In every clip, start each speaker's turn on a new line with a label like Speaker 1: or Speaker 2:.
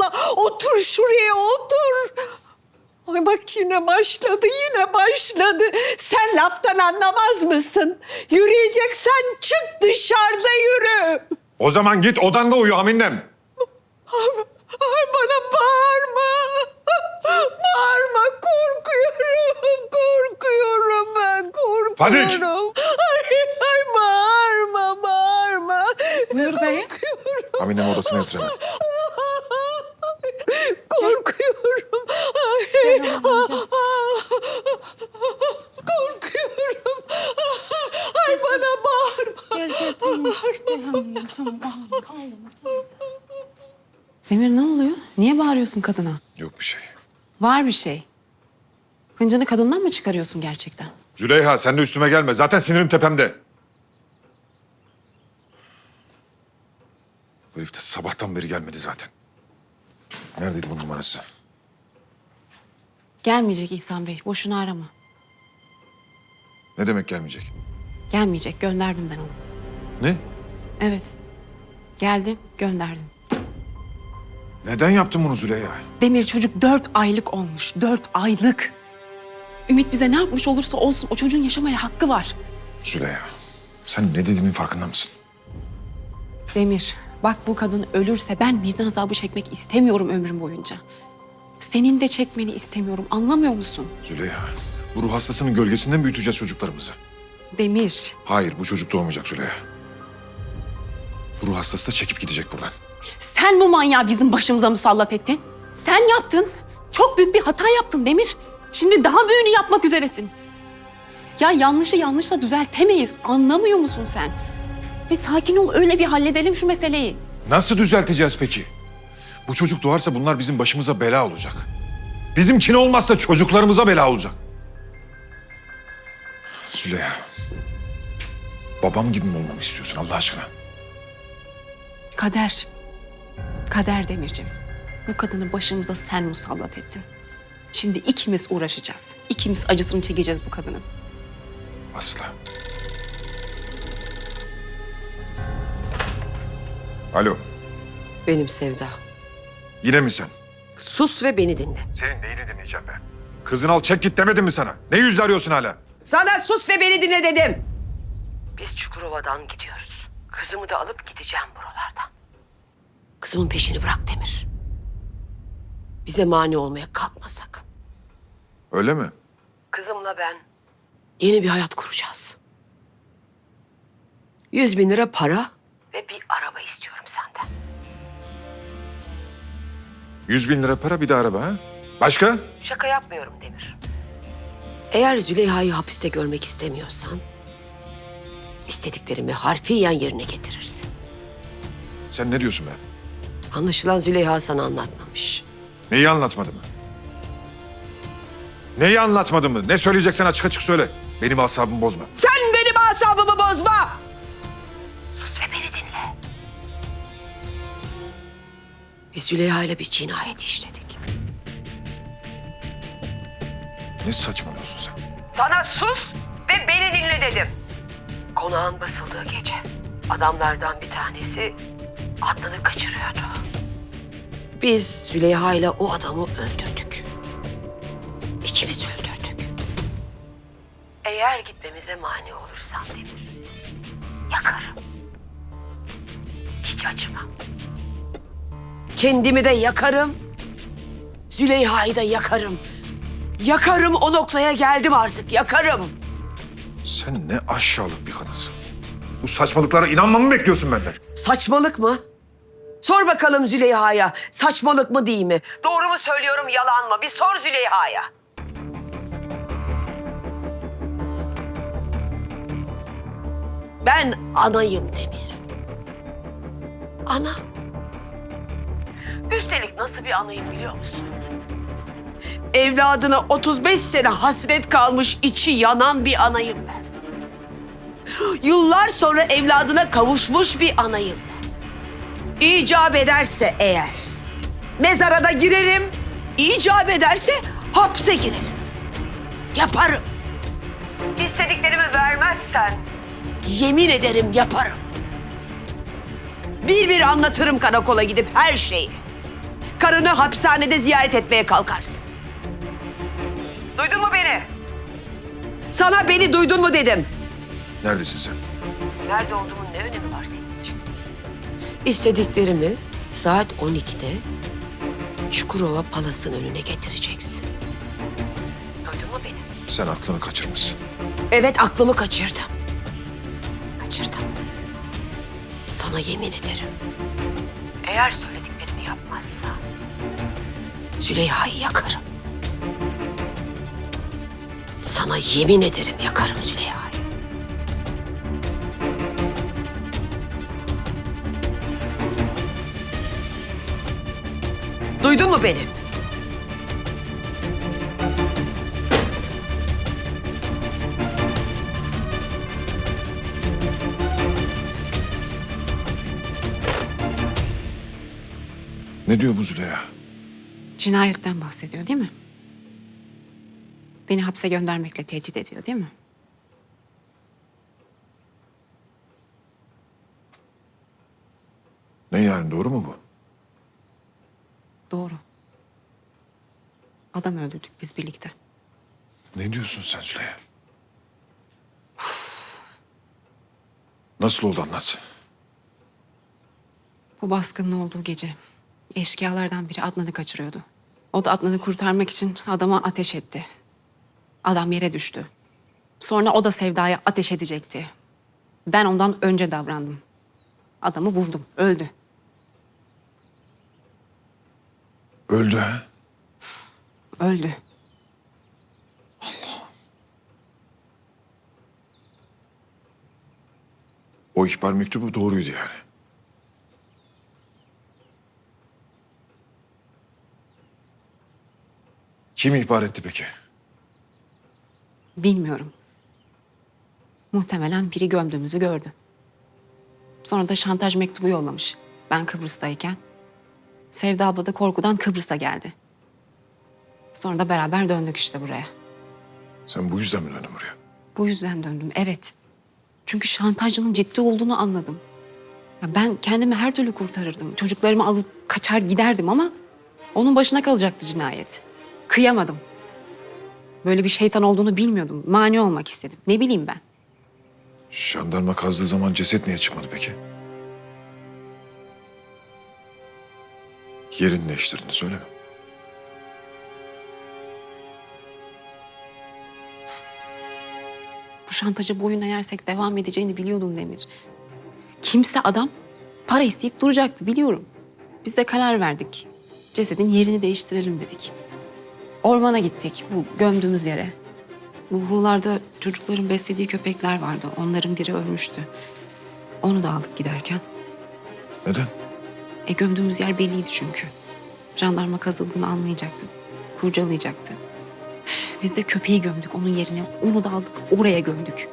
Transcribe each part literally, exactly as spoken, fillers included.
Speaker 1: Allah. Otur şuraya, otur. Ay bak yine başladı, yine başladı. Sen laftan anlamaz mısın? Yürüyeceksen çık dışarıda yürü.
Speaker 2: O zaman git odanda uyu Haminem.
Speaker 1: Ay bana bağırma. Bağırma, korkuyorum. Korkuyorum ben, korkuyorum.
Speaker 2: Fadik!
Speaker 1: Ay, ay bağırma, bağırma.
Speaker 3: Buyur beyim.
Speaker 2: Haminem odasına yatır hemen.
Speaker 1: Korkuyorum. Ay, korkuyorum. Ay bana bağırma.
Speaker 3: Gel gel tamam. Gel Hamiyem tamam ağlama ağlama tamam. Demir ne oluyor? Niye bağırıyorsun kadına?
Speaker 2: Yok bir şey.
Speaker 3: Var bir şey. Hıncını kadından mı çıkarıyorsun gerçekten?
Speaker 2: Züleyha sen de üstüme gelme. Zaten sinirim tepemde. Bu herif de sabahtan beri gelmedi zaten. Neredeydi bunun numarası?
Speaker 3: Gelmeyecek İhsan Bey. Boşuna arama.
Speaker 2: Ne demek gelmeyecek?
Speaker 3: Gelmeyecek. Gönderdim ben onu.
Speaker 2: Ne?
Speaker 3: Evet. Geldim, gönderdim.
Speaker 2: Neden yaptın bunu Züleyha?
Speaker 3: Demir çocuk dört aylık olmuş. Dört aylık. Ümit bize ne yapmış olursa olsun o çocuğun yaşamaya hakkı var.
Speaker 2: Züleyha sen ne dediğinin farkında mısın?
Speaker 3: Demir, bak bu kadın ölürse ben vicdan azabı çekmek istemiyorum ömrüm boyunca. Senin de çekmeni istemiyorum. Anlamıyor musun?
Speaker 2: Züleyha bu ruh hastasının gölgesinden büyüteceğiz çocuklarımızı.
Speaker 3: Demir.
Speaker 2: Hayır bu çocuk doğmayacak Züleyha. Bu ruh hastası da çekip gidecek buradan.
Speaker 3: Sen bu manyağı bizim başımıza musallat ettin. Sen yaptın. Çok büyük bir hata yaptın Demir. Şimdi daha büyüğünü yapmak üzeresin. Ya yanlışı yanlışla düzeltemeyiz. Anlamıyor musun sen? Bir sakin ol, öyle bir halledelim şu meseleyi.
Speaker 2: Nasıl düzelteceğiz peki? Bu çocuk doğarsa bunlar bizim başımıza bela olacak. Bizimkin olmazsa çocuklarımıza bela olacak. Züleyha. Babam gibi mi olmamı istiyorsun Allah aşkına?
Speaker 3: Kader. Kader Demirciğim. Bu kadını başımıza sen musallat ettin. Şimdi ikimiz uğraşacağız. İkimiz acısını çekeceğiz bu kadının.
Speaker 2: Asla. Alo.
Speaker 1: Benim Sevda.
Speaker 2: Yine mi sen?
Speaker 1: Sus ve beni dinle.
Speaker 2: Senin neyini dinleyeceğim ben? Kızını al çek git demedim mi sana? Ne yüzle arıyorsun hala?
Speaker 1: Sana sus ve beni dinle dedim. Biz Çukurova'dan gidiyoruz. Kızımı da alıp gideceğim buralardan. Kızımın peşini bırak Demir. Bize mani olmaya kalkma sakın.
Speaker 2: Öyle mi?
Speaker 1: Kızımla ben yeni bir hayat kuracağız. Yüz bin lira para ve bir araba istiyorum senden.
Speaker 2: Yüz bin lira para bir de araba ha? Başka?
Speaker 1: Şaka yapmıyorum Demir. Eğer Züleyha'yı hapiste görmek istemiyorsan... ...istediklerimi harfiyen yerine getirirsin.
Speaker 2: Sen ne diyorsun be?
Speaker 1: Anlaşılan Züleyha sana anlatmamış.
Speaker 2: Neyi anlatmadı mı? Neyi anlatmadı mı? Ne söyleyeceksen açık açık söyle. Benim asabımı bozma.
Speaker 1: Sen benim asabımı bozma! Sus ve beni dinle. Biz Züleyha ile bir cinayet işledik.
Speaker 2: Ne saçmalıyorsun sen?
Speaker 1: Sana sus ve beni dinle dedim. Konağın basıldığı gece adamlardan bir tanesi Adnan'ı kaçırıyordu. Biz Züleyha ile o adamı öldürdük. İkimiz öldürdük. Eğer gitmemize mani olursan Demir, yakarım. Hiç acımam. Kendimi de yakarım. Züleyha'yı da yakarım. Yakarım, o noktaya geldim artık, yakarım.
Speaker 2: Sen ne aşağılık bir kadınsın. Bu saçmalıklara inanmamı bekliyorsun benden.
Speaker 1: Saçmalık mı? Sor bakalım Züleyha'ya, saçmalık mı değil mi? Doğru mu söylüyorum, yalan mı? Bir sor Züleyha'ya. Ben anayım Demir. Ana. Üstelik nasıl bir anayım biliyor musun? Evladına otuz beş sene hasret kalmış, içi yanan bir anayım ben. Yıllar sonra evladına kavuşmuş bir anayım ben. İcap ederse eğer mezara da girerim, icap ederse hapse girerim. Yaparım. İstediklerimi vermezsen yemin ederim yaparım. Bir bir anlatırım karakola gidip her şeyi. karını hapishanede ziyaret etmeye kalkarsın. Duydun mu beni? Sana beni duydun mu dedim.
Speaker 2: Neredesin sen?
Speaker 1: Nerede olduğumun ne önemi var senin için? İstediklerimi saat on ikide Çukurova Palas'ın önüne getireceksin. Duydun mu beni?
Speaker 2: Sen aklını kaçırmışsın.
Speaker 1: Evet, aklımı kaçırdım. Kaçırdım. Sana yemin ederim. Eğer söylediklerimi yapmazsa Züleyha'yı yakarım. Sana yemin ederim yakarım Züleyha'yı. Duydun mu beni?
Speaker 2: Ne diyor bu Züleyha?
Speaker 3: Cinayetten bahsediyor değil mi? Beni hapse göndermekle tehdit ediyor değil mi?
Speaker 2: Ne yani, doğru mu bu?
Speaker 3: Doğru. Adam öldürdük biz birlikte.
Speaker 2: Ne diyorsun sen Züleyha? Nasıl oldu, anlat.
Speaker 3: Bu baskının olduğu gece eşkıyalardan biri Adnan'ı kaçırıyordu. O da Adnan'ı kurtarmak için adama ateş etti. Adam yere düştü. Sonra o da Sevda'ya ateş edecekti. Ben ondan önce davrandım. Adamı vurdum, öldü.
Speaker 2: Öldü ha?
Speaker 3: Öldü.
Speaker 2: O ihbar mektubu doğruydu yani. Kim ihbar etti peki?
Speaker 3: Bilmiyorum. Muhtemelen biri gömdüğümüzü gördü. Sonra da şantaj mektubu yollamış. Ben Kıbrıs'tayken. Sevda abla da korkudan Kıbrıs'a geldi. Sonra da beraber döndük işte buraya.
Speaker 2: Sen bu yüzden mi döndün buraya?
Speaker 3: Bu yüzden döndüm, evet. Çünkü şantajcının ciddi olduğunu anladım. Ya ben kendimi her türlü kurtarırdım. Çocuklarımı alıp kaçar giderdim ama onun başına kalacaktı cinayet. Kıyamadım. Böyle bir şeytan olduğunu bilmiyordum. Mani olmak istedim. Ne bileyim ben.
Speaker 2: Jandarma kazdığı zaman ceset niye çıkmadı peki? Yerini değiştirdin, söyleme.
Speaker 3: Bu şantaja boyun eğersek devam edeceğini biliyordum Demir. Kimse adam para isteyip duracaktı biliyorum. Biz de karar verdik. Cesedin yerini değiştirelim dedik. Ormana gittik bu gömdüğümüz yere. Bu huğlarda çocukların beslediği köpekler vardı. Onların biri ölmüştü. Onu da aldık giderken.
Speaker 2: Neden?
Speaker 3: E gömdüğümüz yer belliydi çünkü. Jandarma kazıldığını anlayacaktı. Kurcalayacaktı. Biz de köpeği gömdük onun yerine. Onu da aldık oraya gömdük.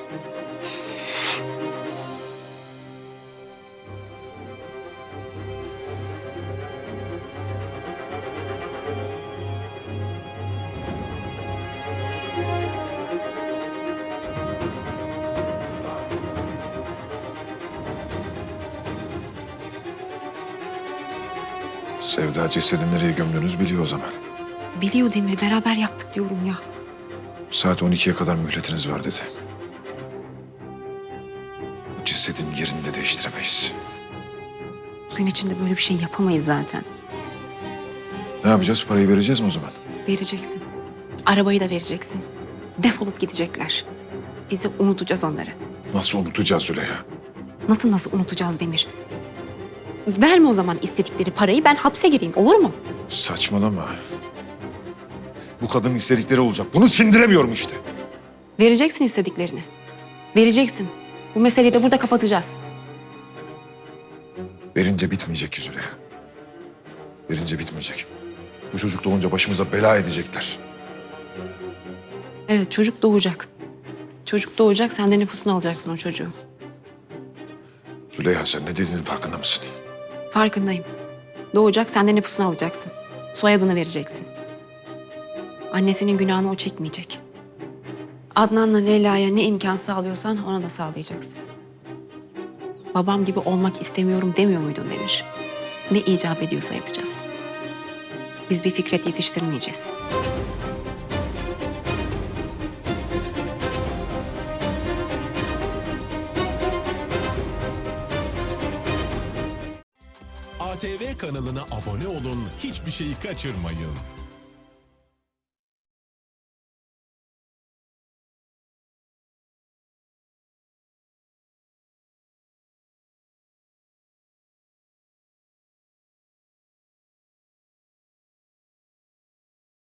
Speaker 2: Sevda cesedi nereye gömdüğünüzü biliyor o zaman.
Speaker 3: Biliyor Demir, beraber yaptık diyorum ya.
Speaker 2: Saat on ikiye kadar mühletiniz var dedi. Bu cesedin yerini de değiştiremeyiz.
Speaker 3: Gün içinde böyle bir şey yapamayız zaten.
Speaker 2: Ne yapacağız? Parayı vereceğiz mi o zaman?
Speaker 3: Vereceksin. Arabayı da vereceksin. Defolup gidecekler. Biz de unutacağız onları.
Speaker 2: Nasıl unutacağız Züleyha?
Speaker 3: Nasıl nasıl unutacağız Demir? Verme o zaman istedikleri parayı, ben hapse gireyim, olur mu?
Speaker 2: Saçmalama. Bu kadının istedikleri olacak. Bunu sindiremiyorum işte.
Speaker 3: Vereceksin istediklerini. Vereceksin. Bu meseleyi de burada kapatacağız.
Speaker 2: Verince bitmeyecek ki Züleyha. Verince bitmeyecek. Bu çocuk doğunca başımıza bela edecekler.
Speaker 3: Evet, çocuk doğacak. Çocuk doğacak, sen de nüfusunu alacaksın o çocuğu.
Speaker 2: Züleyha, sen ne dediğinin farkında mısın?
Speaker 3: Farkındayım. Doğacak, sen de nüfusunu alacaksın. Soyadını vereceksin. Annesinin günahını o çekmeyecek. Adnan'la Leyla'ya ne imkan sağlıyorsan ona da sağlayacaksın. Babam gibi olmak istemiyorum demiyor muydun Demir? Ne icap ediyorsa yapacağız. Biz bir Fikret yetiştirmeyeceğiz.
Speaker 4: A T V kanalına abone olun, hiçbir şeyi kaçırmayın.